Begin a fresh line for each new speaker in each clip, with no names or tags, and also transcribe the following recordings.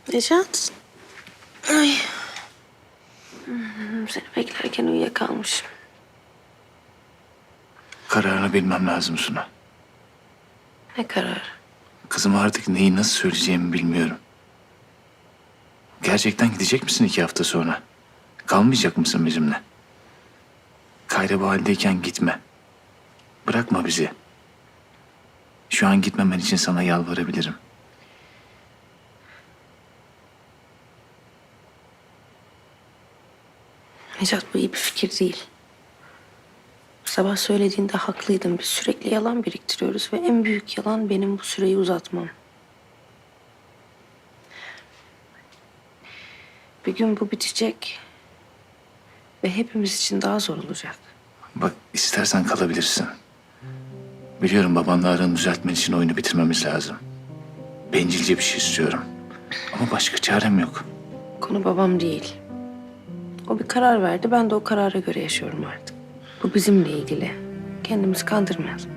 Necat. Ay. Seni beklerken uyuyakalmışım.
Kararını bilmem lazım Suna.
Ne karar?
Kızıma artık neyi nasıl söyleyeceğimi bilmiyorum. Gerçekten gidecek misin 2 hafta sonra? Kalmayacak mısın bizimle? Kayra bu haldeyken gitme. Bırakma bizi. Şu an gitmemen için sana yalvarabilirim.
Necat, bu iyi bir fikir değil. Sabah söylediğinde haklıydın. Biz sürekli yalan biriktiriyoruz ve en büyük yalan benim bu süreyi uzatmam. Bir gün bu bitecek ve hepimiz için daha zor olacak.
Bak, istersen kalabilirsin. Biliyorum babanla aranı düzeltmen için oyunu bitirmemiz lazım. Bencilce bir şey istiyorum. Ama başka çarem yok.
Konu babam değil. O bir karar verdi. Ben de o karara göre yaşıyorum artık. Bu bizimle ilgili. Kendimizi kandırmayalım.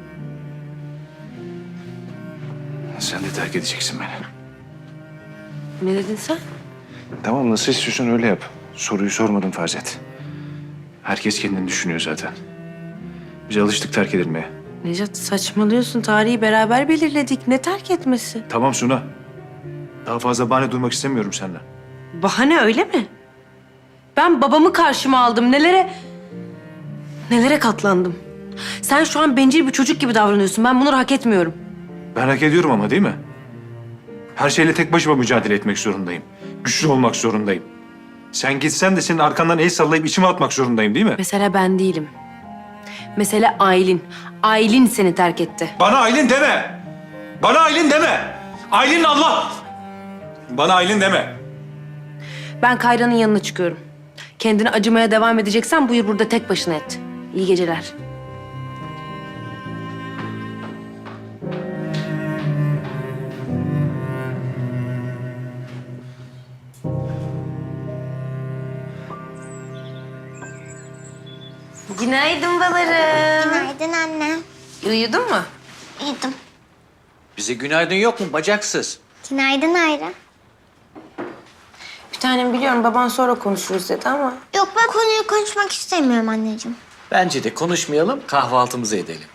Sen de terk edeceksin beni.
Ne dedin sen?
Tamam, nasıl istiyorsan öyle yap. Soruyu sormadım farz et. Herkes kendini düşünüyor zaten. Biz alıştık terk edilmeye.
Necat, saçmalıyorsun. Tarihi beraber belirledik. Ne terk etmesi?
Tamam Suna. Daha fazla bahane duymak istemiyorum senden.
Bahane, öyle mi? Ben babamı karşıma aldım. Nelere katlandım. Sen şu an bencil bir çocuk gibi davranıyorsun. Ben bunları hak etmiyorum.
Ben hak ediyorum ama, değil mi? Her şeyle tek başıma mücadele etmek zorundayım. Güçlü olmak zorundayım. Sen gitsen de senin arkandan el sallayıp içime atmak zorundayım, değil mi?
Mesele ben değilim. Mesele Aylin. Aylin seni terk etti.
Bana Aylin deme! Bana Aylin deme! Aylin Allah! Bana Aylin deme!
Ben Kayra'nın yanına çıkıyorum. Kendini acımaya devam edeceksen buyur burada tek başına et. İyi geceler. Günaydın balarım.
Günaydın anne.
Uyudun mu?
Uyudum.
Bize günaydın yok mu bacaksız?
Günaydın Ayra.
Bir tanem, biliyorum baban sonra konuşuruz dedi ama...
Yok, ben konuyu konuşmak istemiyorum anneciğim.
Bence de konuşmayalım, kahvaltımızı edelim.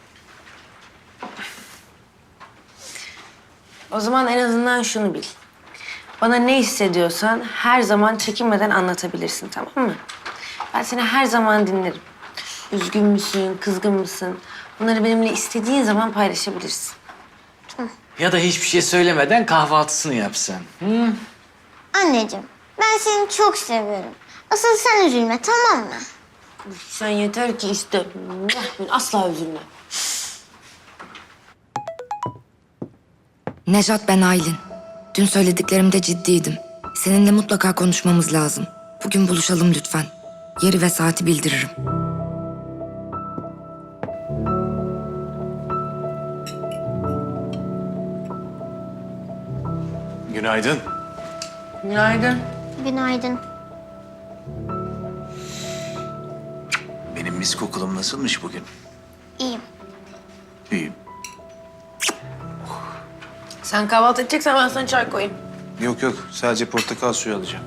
O zaman en azından şunu bil. Bana ne hissediyorsan her zaman çekinmeden anlatabilirsin, tamam mı? Ben seni her zaman dinlerim. Üzgün müsün, kızgın mısın? Bunları benimle istediğin zaman paylaşabilirsin.
Ya da hiçbir şey söylemeden kahvaltısını yapsın. Hı?
Anneciğim, ben seni çok seviyorum. Asıl sen üzülme, tamam mı?
Sen yeter ki iste. Ben asla üzülmem.
Nejat, ben Aylin. Dün söylediklerimde ciddiydim. Seninle mutlaka konuşmamız lazım. Bugün buluşalım lütfen. Yeri ve saati bildiririm.
Günaydın.
Günaydın.
Günaydın.
Benim mis kokulum nasılmış bugün?
İyiyim.
İyiyim.
Sen kahvaltı edeceksen ben sana çay koyayım.
Yok yok, sadece portakal suyu alacağım.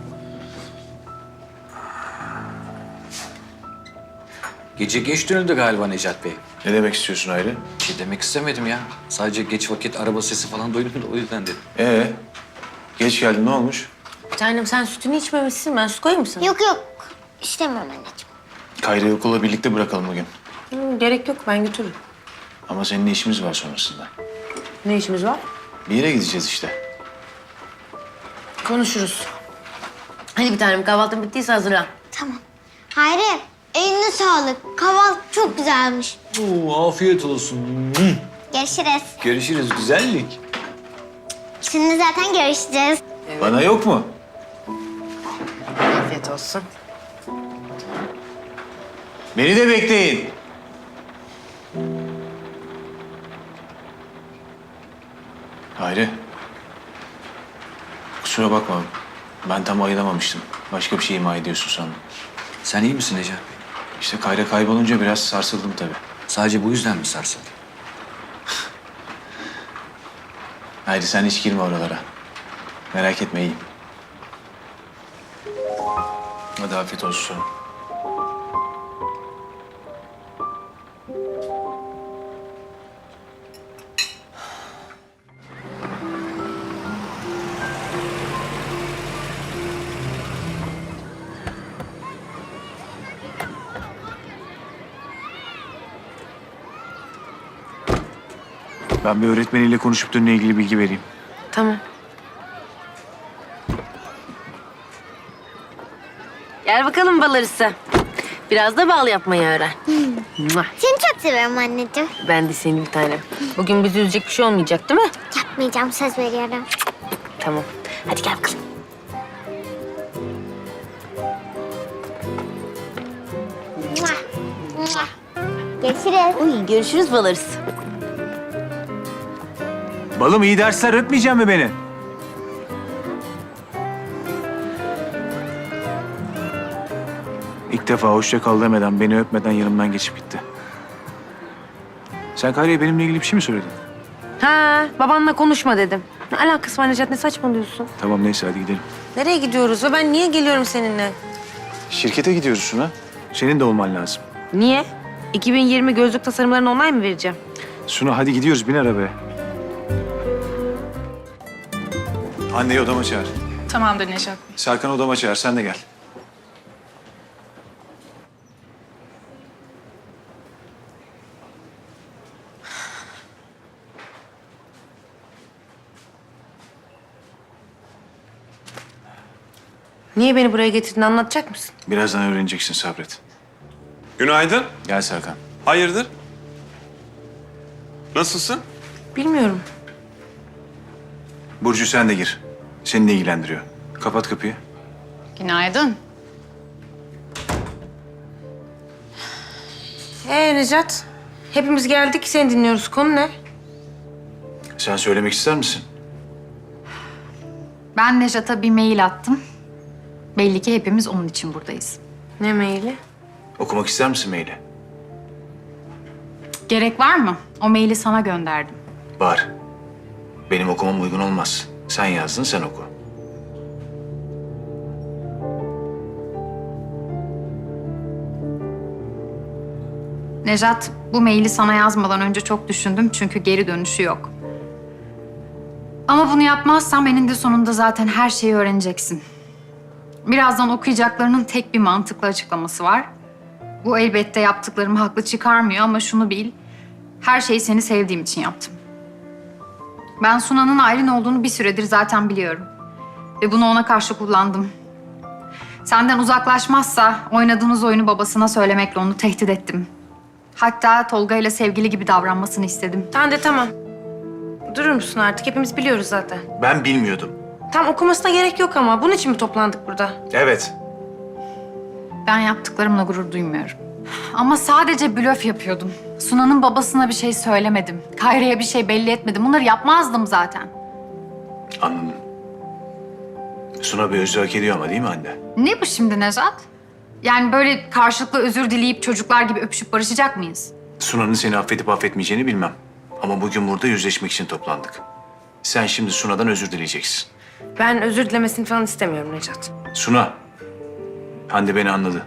Gece geç dönüldü galiba Necat Bey.
Ne demek istiyorsun Aylin?
Bir şey demek istemedim ya. Sadece geç vakit araba sesi falan duydum da o yüzden dedim.
Geç geldin, ne olmuş?
Bir tanem, sen sütünü içmemişsin. Ben su koyayım mı sana?
Yok yok, istemiyorum anneciğim.
Kayra'yı okula birlikte bırakalım bugün.
Gerek yok, ben götürürüm.
Ama seninle işimiz var sonrasında.
Ne işimiz var?
Bir yere gideceğiz işte.
Konuşuruz. Hadi bir tanem, kahvaltın bittiyse hazırlan.
Tamam. Hayri, eline sağlık. Kahvaltı çok güzelmiş.
Oo, afiyet olsun.
Görüşürüz.
Görüşürüz, güzellik.
Şimdi zaten görüşeceğiz.
Bana yok mu?
Afiyet olsun.
Beni de bekleyin. Hayri. Kusura bakma. Ben tam ayılamamıştım. Başka bir şey ima ediyorsun sandım.
Sen iyi misin Necat Bey?
İşte Kayra kaybolunca biraz sarsıldım tabii.
Sadece bu yüzden mi sarsıldın?
Hayri, sen hiç girme oralara. Merak etme, iyiyim. Hadi afiyet olsun. Ben bir öğretmeniyle konuşup dönüyle ilgili bilgi vereyim.
Tamam. Gel bakalım bal arısı. Biraz da bal yapmayı öğren. Mua.
Seni çok seviyorum anneciğim.
Ben de seni bir tanem. Bugün bizi üzecek bir şey olmayacak değil mi?
Yapmayacağım, söz veriyorum.
Tamam. Hadi gel bakalım.
Mua, mua. Görüşürüz.
Uy, görüşürüz bal arısı.
Balım iyi dersler, öpmeyecek mi beni? İlk defa hoşça kal demeden, beni öpmeden yanımdan geçip gitti. Sen Kayra'ya benimle ilgili bir şey mi söyledin?
Ha, babanla konuşma dedim. Ne alakası var Necat, ne saçmalıyorsun?
Tamam neyse hadi gidelim.
Nereye gidiyoruz ve ben niye geliyorum seninle?
Şirkete gidiyoruz Suna. Senin de olman lazım.
Niye? 2020 gözlük tasarımlarını online mı vereceğim?
Suna hadi gidiyoruz, bin arabaya. Anneyi odama çağır.
Tamamdır Neşat.
Serkan odama çağır, sen de gel.
Niye beni buraya getirdin, anlatacak mısın?
Birazdan öğreneceksin, sabret.
Günaydın.
Gel Serkan.
Hayırdır? Nasılsın?
Bilmiyorum.
Burcu sen de gir. Seni de ilgilendiriyor. Kapat kapıyı.
Günaydın.
Necat? Hepimiz geldik, seni dinliyoruz. Konu ne?
Sen söylemek ister misin?
Ben Nejat'a bir mail attım. Belli ki hepimiz onun için buradayız.
Ne maili?
Okumak ister misin maili?
Gerek var mı? O maili sana gönderdim.
Var. Benim okumam uygun olmaz. Sen yazdın, sen oku.
Nejat, bu maili sana yazmadan önce çok düşündüm çünkü geri dönüşü yok. Ama bunu yapmazsam eninde sonunda zaten her şeyi öğreneceksin. Birazdan okuyacaklarının tek bir mantıklı açıklaması var. Bu elbette yaptıklarımı haklı çıkarmıyor ama şunu bil. Her şeyi seni sevdiğim için yaptım. Ben Suna'nın Aylin olduğunu bir süredir zaten biliyorum. Ve bunu ona karşı kullandım. Senden uzaklaşmazsa oynadığınız oyunu babasına söylemekle onu tehdit ettim. Hatta Tolga ile sevgili gibi davranmasını istedim.
Tamam de tamam. Durur musun artık? Hepimiz biliyoruz zaten.
Ben bilmiyordum.
Tam okumasına gerek yok ama. Bunun için mi toplandık burada?
Evet.
Ben yaptıklarımla gurur duymuyorum. Ama sadece blöf yapıyordum. Suna'nın babasına bir şey söylemedim. Kayra'ya bir şey belli etmedim. Bunları yapmazdım zaten.
Anladım. Suna bir özür hak ediyor ama değil mi anne?
Ne bu şimdi Nejat? Yani böyle karşılıklı özür dileyip çocuklar gibi öpüşüp barışacak mıyız?
Suna'nın seni affedip affetmeyeceğini bilmem. Ama bugün burada yüzleşmek için toplandık. Sen şimdi Suna'dan özür dileyeceksin.
Ben özür dilemesini falan istemiyorum Necat.
Suna, Hande beni anladı.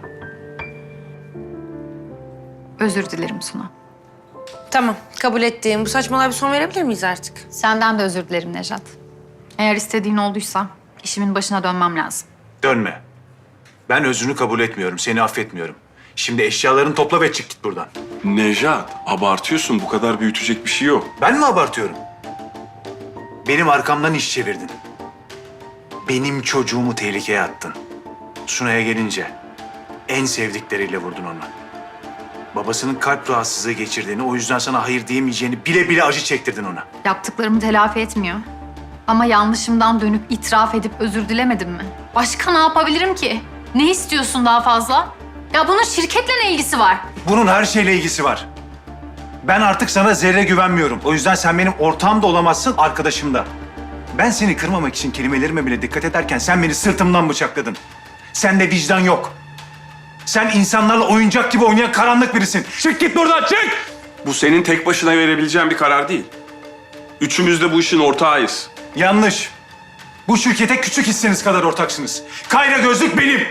Özür dilerim Suna.
Tamam, kabul ettiğim. Bu saçmalığa bir son verebilir miyiz artık?
Senden de özür dilerim Nejat. Eğer istediğin olduysa işimin başına dönmem lazım.
Dönme. Ben özrünü kabul etmiyorum, seni affetmiyorum. Şimdi eşyalarını topla ve çık git buradan.
Nejat, abartıyorsun. Bu kadar büyütecek bir şey yok.
Ben mi abartıyorum? Benim arkamdan iş çevirdin. Benim çocuğumu tehlikeye attın. Suna'ya gelince en sevdikleriyle vurdun onu. Babasının kalp rahatsızlığı geçirdiğini, o yüzden sana hayır diyemeyeceğini bile bile acı çektirdin ona.
Yaptıklarımı telafi etmiyor. Ama yanlışımdan dönüp itiraf edip özür dilemedim mi? Başka ne yapabilirim ki? Ne istiyorsun daha fazla? Ya bunun şirketle ne ilgisi var?
Bunun her şeyle ilgisi var. Ben artık sana zerre güvenmiyorum. O yüzden sen benim ortağım da olamazsın, arkadaşım da. Ben seni kırmamak için kelimelerime bile dikkat ederken sen beni sırtımdan bıçakladın. Sende vicdan yok. Sen insanlarla oyuncak gibi oynayan karanlık birisin. Çık git buradan, çık!
Bu senin tek başına verebileceğin bir karar değil. Üçümüz de bu işin ortağıyız.
Yanlış.
Bu şirkete küçük hisseniz kadar ortaksınız. Kayra Gözlük benim.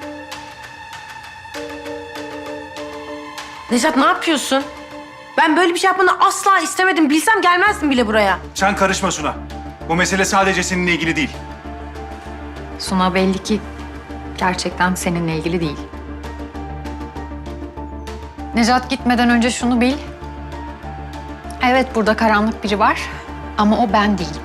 Nejat ne yapıyorsun? Ben böyle bir şey yapmanı asla istemedim. Bilsem gelmezdim bile buraya.
Sen karışma Suna. Bu mesele sadece seninle ilgili değil.
Suna belli ki gerçekten seninle ilgili değil. Nejat gitmeden önce şunu bil. Evet burada karanlık biri var ama o ben değilim.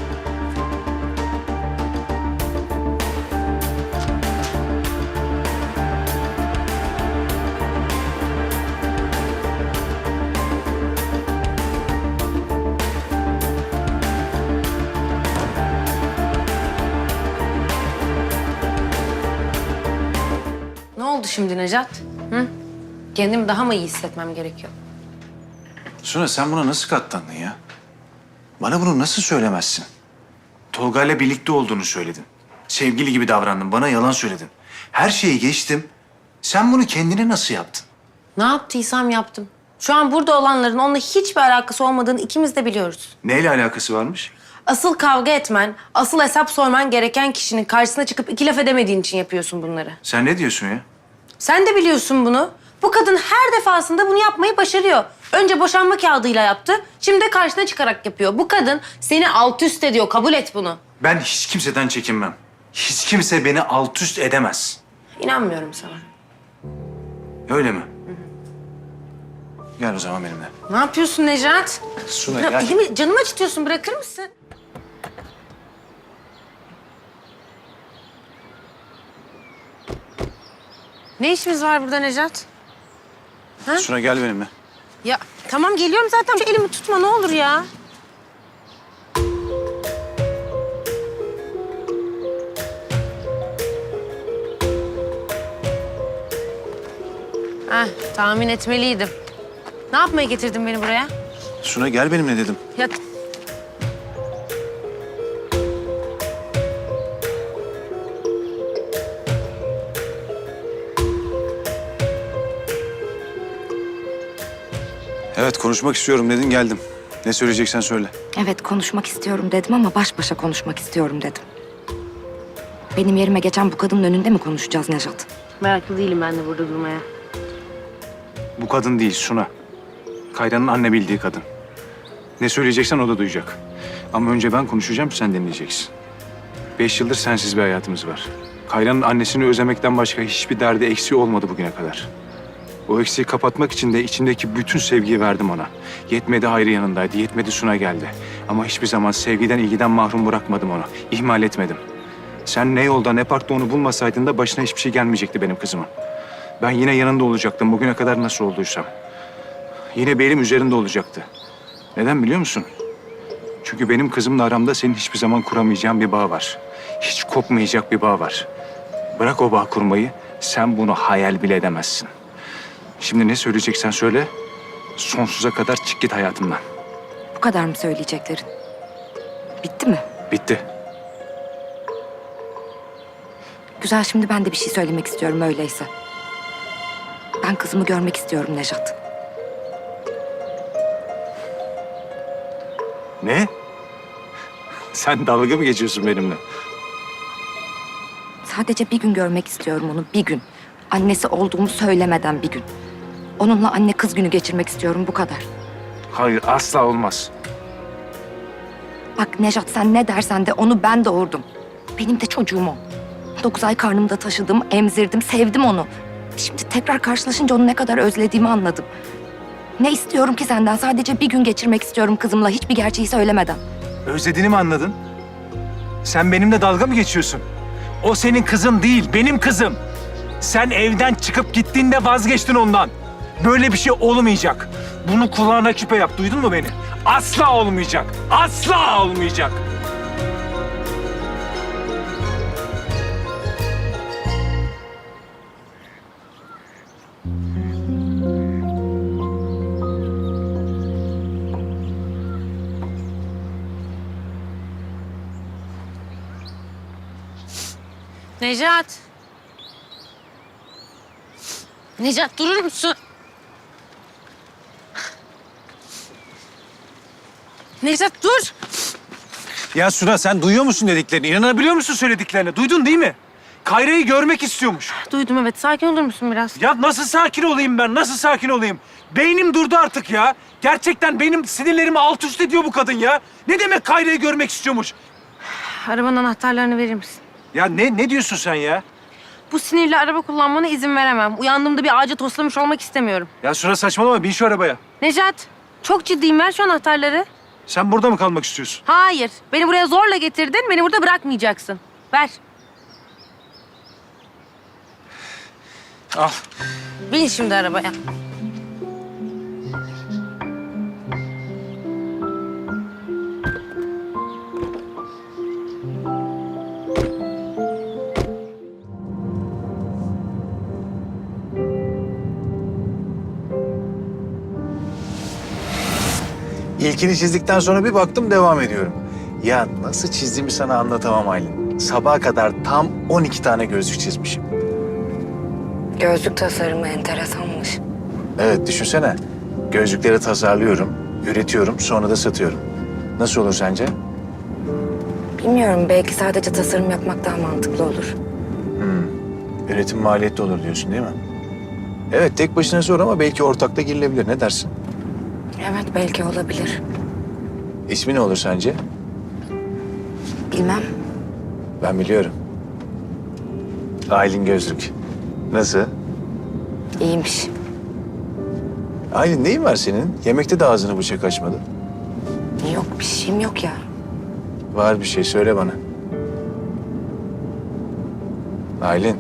Ne oldu şimdi Nejat? Hı? Kendimi daha mı iyi hissetmem gerekiyor?
Suna sen buna nasıl katlandın ya? Bana bunu nasıl söylemezsin? Tolga'yla birlikte olduğunu söyledin. Sevgili gibi davrandın, bana yalan söyledin. Her şeyi geçtim. Sen bunu kendine nasıl yaptın?
Ne yaptıysam yaptım. Şu an burada olanların onunla hiçbir alakası olmadığını ikimiz de biliyoruz.
Neyle alakası varmış?
Asıl kavga etmen, asıl hesap sorman gereken kişinin karşısına çıkıp iki laf edemediğin için yapıyorsun bunları.
Sen ne diyorsun ya?
Sen de biliyorsun bunu. Bu kadın her defasında bunu yapmayı başarıyor. Önce boşanma kağıdıyla yaptı, şimdi de karşına çıkarak yapıyor. Bu kadın seni alt üst ediyor, kabul et bunu.
Ben hiç kimseden çekinmem. Hiç kimse beni alt üst edemez.
İnanmıyorum sana.
Öyle mi? Gel o zaman benimle.
Ne yapıyorsun Nejat?
Suna
Ya,
gel.
elimi, canımı acıtıyorsun, bırakır mısın? Ne işimiz var burada Nejat?
Suna gel benimle.
Ya tamam geliyorum zaten. Şu elimi tutma ne olur ya. Tahmin etmeliydim. Ne yapmaya getirdin beni buraya?
Suna gel benimle dedim.
Ya
Evet konuşmak istiyorum dedin geldim. Ne söyleyeceksen söyle.
Evet konuşmak istiyorum dedim ama baş başa konuşmak istiyorum dedim. Benim yerime geçen bu kadının önünde mi konuşacağız Nejat?
meraklı değilim ben de burada durmaya.
Bu kadın değil Suna. Kayra'nın anne bildiği kadın. Ne söyleyeceksen o da duyacak. Ama önce ben konuşacağım sen dinleyeceksin. 5 yıldır sensiz bir hayatımız var. Kayra'nın annesini özlemekten başka hiçbir derdi eksiği olmadı bugüne kadar. O eksiği kapatmak için de içimdeki bütün sevgiyi verdim ona. Yetmedi Hayri yanındaydı, yetmedi Suna geldi. Ama hiçbir zaman sevgiden, ilgiden mahrum bırakmadım onu. İhmal etmedim. Sen ne yolda ne parkta onu bulmasaydın da başına hiçbir şey gelmeyecekti benim kızımın. Ben yine yanında olacaktım bugüne kadar nasıl olduysam. Yine belim üzerinde olacaktı. Neden biliyor musun? Çünkü benim kızımla aramda senin hiçbir zaman kuramayacağın bir bağ var. Hiç kopmayacak bir bağ var. Bırak o bağ kurmayı, sen bunu hayal bile edemezsin. Şimdi ne söyleyeceksen söyle, sonsuza kadar çık git hayatımdan.
Bu kadar mı söyleyeceklerin? Bitti mi?
Bitti.
Güzel, şimdi ben de bir şey söylemek istiyorum öyleyse. Ben kızımı görmek istiyorum Nejat.
Ne? Sen dalga mı geçiyorsun benimle?
Sadece bir gün görmek istiyorum onu, bir gün. Annesi olduğumu söylemeden bir gün. Onunla anne kız günü geçirmek istiyorum, bu kadar.
Hayır, asla olmaz.
Bak Nejat, sen ne dersen de onu ben doğurdum. Benim de çocuğum o. 9 ay karnımda taşıdım, emzirdim, sevdim onu. Şimdi tekrar karşılaşınca onu ne kadar özlediğimi anladım. Ne istiyorum ki senden? Sadece bir gün geçirmek istiyorum kızımla, hiçbir gerçeği söylemeden.
Özlediğini mi anladın? Sen benimle dalga mı geçiyorsun? O senin kızın değil, benim kızım. Sen evden çıkıp gittiğinde vazgeçtin ondan. Böyle bir şey olmayacak. Bunu kulağına küpe yap, duydun mu beni? Asla olmayacak, asla olmayacak.
Nejat. Nejat durur musun? Nejat dur.
Ya Suna sen duyuyor musun dediklerini? İnanabiliyor musun söylediklerine? Duydun değil mi? Kayra'yı görmek istiyormuş.
Duydum evet. Sakin olur musun biraz?
Ya nasıl sakin olayım ben? Nasıl sakin olayım? Beynim durdu artık ya. Gerçekten benim sinirlerimi alt üst ediyor bu kadın ya. Ne demek Kayra'yı görmek istiyormuş?
Arabanın anahtarlarını verir misin?
Ya ne diyorsun sen ya?
Bu sinirle araba kullanmana izin veremem. Uyandığımda bir ağaca toslamış olmak istemiyorum.
Ya Suna saçmalama bin şu arabaya.
Necat, çok ciddiyim. Ver şu anahtarları.
Sen burada mı kalmak istiyorsun?
Hayır. Beni buraya zorla getirdin. Beni burada bırakmayacaksın. Ver.
Al.
Bin şimdi arabaya.
İlkini çizdikten sonra bir baktım devam ediyorum. Ya nasıl çizdiğimi sana anlatamam Aylin. Sabaha kadar tam 12 tane gözlük çizmişim.
Gözlük tasarımı enteresanmış.
Evet düşünsene. Gözlükleri tasarlıyorum, üretiyorum, sonra da satıyorum. Nasıl olur sence?
Bilmiyorum, belki sadece tasarım yapmak daha mantıklı olur.
Üretim maliyetli olur diyorsun değil mi? Evet tek başına zor ama belki ortakta girilebilir. Ne dersin?
Evet, belki olabilir.
İsmi ne olur sence?
Bilmem.
Ben biliyorum. Aylin Gözlük. Nasıl?
İyiymiş.
Aylin neyin var senin? Yemekte de ağzını bıçak açmadı.
Yok, bir şeyim yok ya.
Var bir şey söyle bana. Aylin.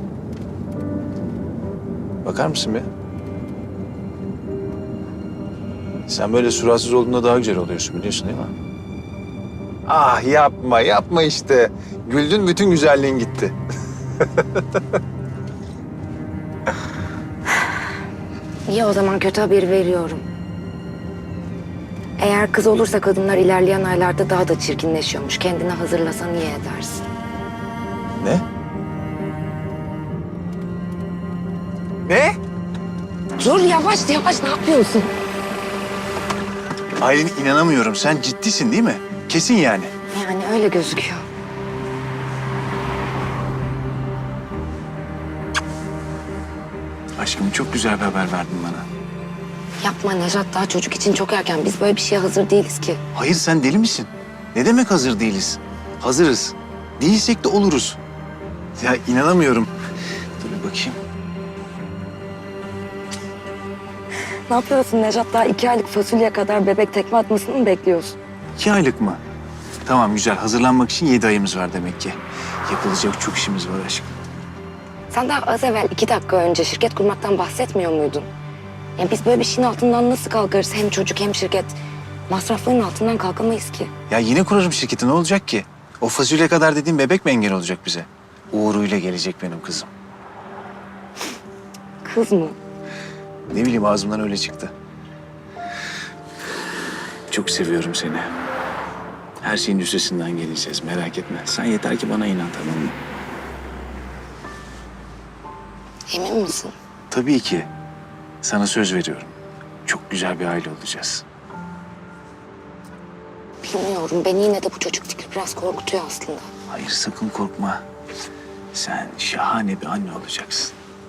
Bakar mısın bir? Sen böyle suratsız olduğunda daha güzel oluyorsun biliyorsun değil mi? Ah yapma işte. Güldün bütün güzelliğin gitti.
İyi, o zaman kötü haberi veriyorum. Eğer kız olursa kadınlar ilerleyen aylarda daha da çirkinleşiyormuş. Kendini hazırlasan iyi edersin.
Ne? Ne?
Dur, yavaş ne yapıyorsun?
Aylin inanamıyorum. Sen ciddisin değil mi? Kesin yani.
Yani öyle gözüküyor.
Aşkım çok güzel bir haber verdin bana.
Yapma Nejat, daha çocuk için çok erken. Biz böyle bir şeye hazır değiliz ki.
Hayır sen deli misin? Ne demek hazır değiliz? Hazırız. Değilsek de oluruz. Ya inanamıyorum. Dur bir bakayım.
Ne yapıyorsun Nejat? Daha 2 aylık fasulye kadar bebek tekme atmasını mı bekliyorsun?
2 aylık mı? Tamam güzel. Hazırlanmak için 7 ayımız var demek ki. Yapılacak çok işimiz var aşkım.
Sen daha az evvel 2 dakika önce şirket kurmaktan bahsetmiyor muydun? Ya biz böyle bir şeyin altından nasıl kalkarız? Hem çocuk hem şirket. Masrafların altından kalkamayız ki.
Ya yine kurarım şirketi ne olacak ki? O fasulye kadar dediğim bebek mi engel olacak bize? Uğur'uyla gelecek benim kızım.
Kız mı?
Ne bileyim ağzımdan öyle çıktı. Çok seviyorum seni. Her şeyin üstesinden geleceğiz merak etme. Sen yeter ki bana inan tamam mı?
Emin misin?
Tabii ki. Sana söz veriyorum. Çok güzel bir aile olacağız.
Bilmiyorum. Beni yine de bu çocuk fikri biraz korkutuyor aslında.
Hayır sakın korkma. Sen şahane bir anne olacaksın.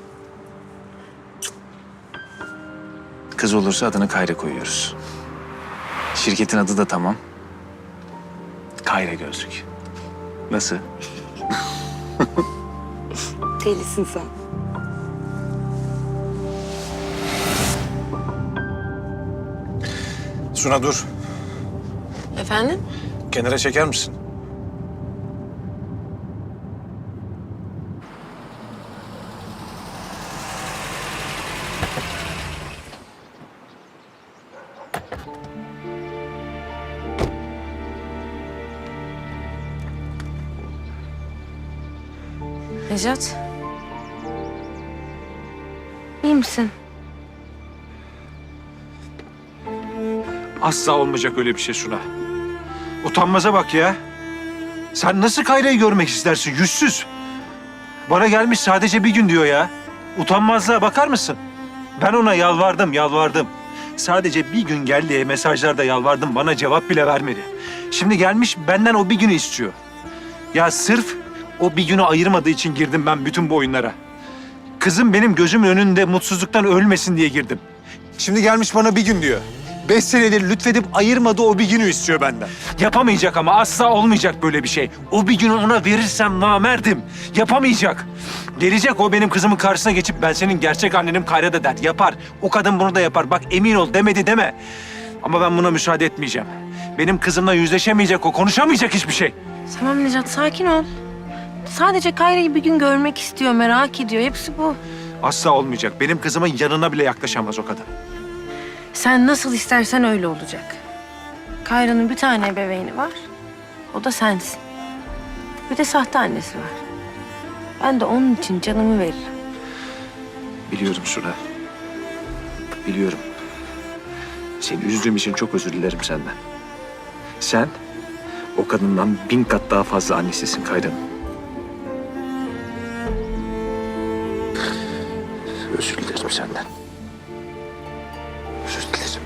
Kız olursa adını Kayra koyuyoruz. Şirketin adı da tamam. Kayra Gözlük. Nasıl?
Delisin sen.
Suna dur.
Efendim?
Kenara çeker misin?
Necat. İyi misin?
Asla olmayacak öyle bir şey Suna. Utanmaza bak ya. Sen nasıl Kayra'yı görmek istersin yüzsüz? Bana gelmiş sadece bir gün diyor ya. Utanmazlığa bakar mısın? Ben ona yalvardım. Sadece bir gün gel diye mesajlarda yalvardım. Bana cevap bile vermedi. Şimdi gelmiş benden o bir günü istiyor. Ya sırf o bir günü ayırmadığı için girdim ben bütün bu oyunlara. Kızım benim gözümün önünde mutsuzluktan ölmesin diye girdim. Şimdi gelmiş bana bir gün diyor. 5 senedir lütfedip ayırmadığı o bir günü istiyor benden. Yapamayacak ama asla olmayacak böyle bir şey. O bir günü ona verirsem namerdim. Yapamayacak. Gelecek o benim kızımın karşısına geçip ben senin gerçek annenim Kayra da der. Yapar. O kadın bunu da yapar. Bak emin ol demedi deme. Ama ben buna müsaade etmeyeceğim. Benim kızımla yüzleşemeyecek o. Konuşamayacak hiçbir şey.
Tamam Necat, sakin ol. Sadece Kayra'yı bir gün görmek istiyor, merak ediyor. Hepsi bu.
Asla olmayacak. Benim kızımın yanına bile yaklaşamaz o kadın.
Sen nasıl istersen öyle olacak. Kayra'nın bir tane ebeveyni var. O da sensin. Bir de sahte annesi var. Ben de onun için canımı veririm.
Biliyorum Suna. Biliyorum. Seni üzdüğüm için çok özür dilerim senden. Sen o kadından 1000 kat daha fazla annesisin Kayra'nın. Özür dilerim senden. Özür dilerim.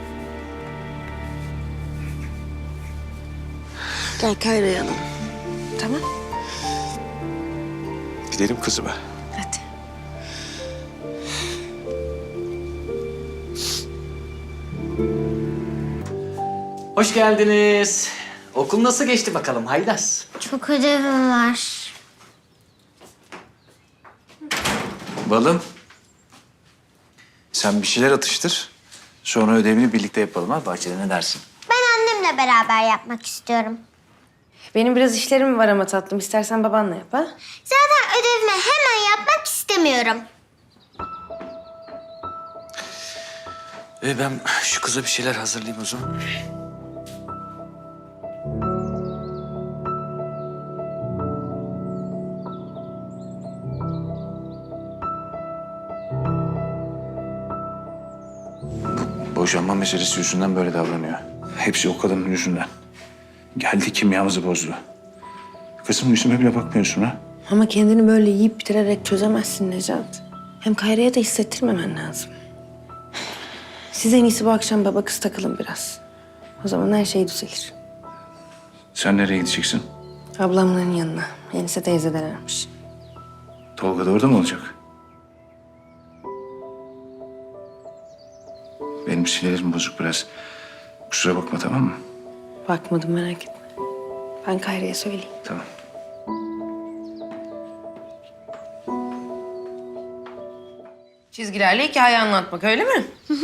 Gel Kayra'yı alalım. Tamam.
Gidelim kızıma.
Hadi.
Hoş geldiniz. Okul nasıl geçti bakalım Haylaz?
Çok ödevim var.
Balım. Sen bir şeyler atıştır. Sonra ödevini birlikte yapalım ha. Bahçede ne dersin?
Ben annemle beraber yapmak istiyorum.
Benim biraz işlerim var ama tatlım. İstersen babanla yap ha.
Zaten ödevimi hemen yapmak istemiyorum.
Ben şu kıza bir şeyler hazırlayayım o zaman.
Boşanma meselesi yüzünden böyle davranıyor. Hepsi o kadının yüzünden. Geldi kimyamızı bozdu. Kızım yüzüme bile bakmıyorsun ha.
Ama kendini böyle yiyip bitirerek çözemezsin Necat. Hem Kayra'ya da hissettirmemen lazım. Siz en iyisi bu akşam baba kız takılın biraz. O zaman her şey düzelir.
Sen nereye gideceksin?
Ablamların yanına. Enise teyzelermiş.
Tolga da orada mı olacak? Benim sinirlerim bozuk biraz. Kusura bakma tamam mı?
Bakmadım, merak etme. Ben Kayra'ya söyleyeyim.
Tamam.
Çizgilerle hikaye anlatmak öyle mi?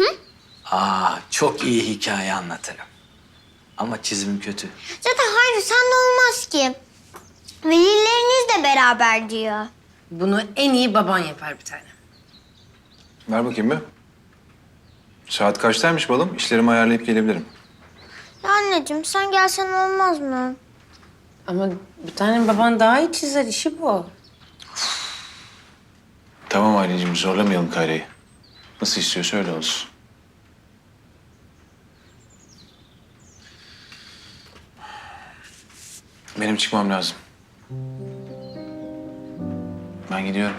Çok iyi hikaye anlatırım. Ama çizimim kötü.
Zaten hayır sen de olmaz ki. Velileriniz de beraber diyor.
Bunu en iyi baban yapar bir tane.
Ver bakayım bir. Saat kaçtaymış balım? İşlerimi ayarlayıp gelebilirim.
Ya anneciğim sen gelsen olmaz mı?
Ama bir tane baban daha iyi çizer, işi bu.
Tamam Ayleciğim zorlamayalım Kayra'yı. Nasıl istiyorsa öyle olsun. Benim çıkmam lazım. Ben gidiyorum.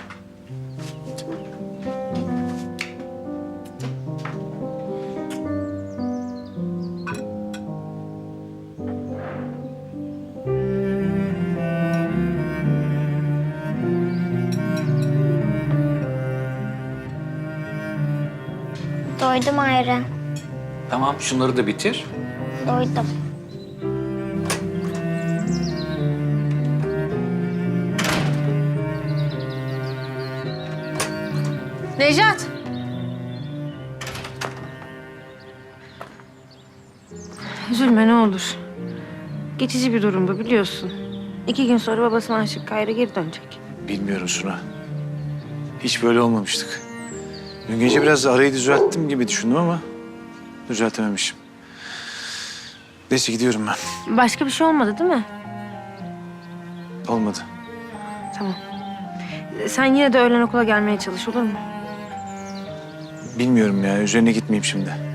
Doydum ayrı.
Tamam şunları da bitir.
Doydum.
Nejat! Üzülme ne olur. Geçici bir durum bu biliyorsun. 2 gün sonra babasına aşık Kayra geri dönecek.
Bilmiyorum Suna. Hiç böyle olmamıştık. Dün gece biraz arayı düzelttim gibi düşündüm ama düzeltememişim. Neyse gidiyorum ben.
Başka bir şey olmadı değil mi?
Olmadı.
Tamam. Sen yine de öğlen okula gelmeye çalış olur mu?
Bilmiyorum ya. Üzerine gitmeyeyim şimdi.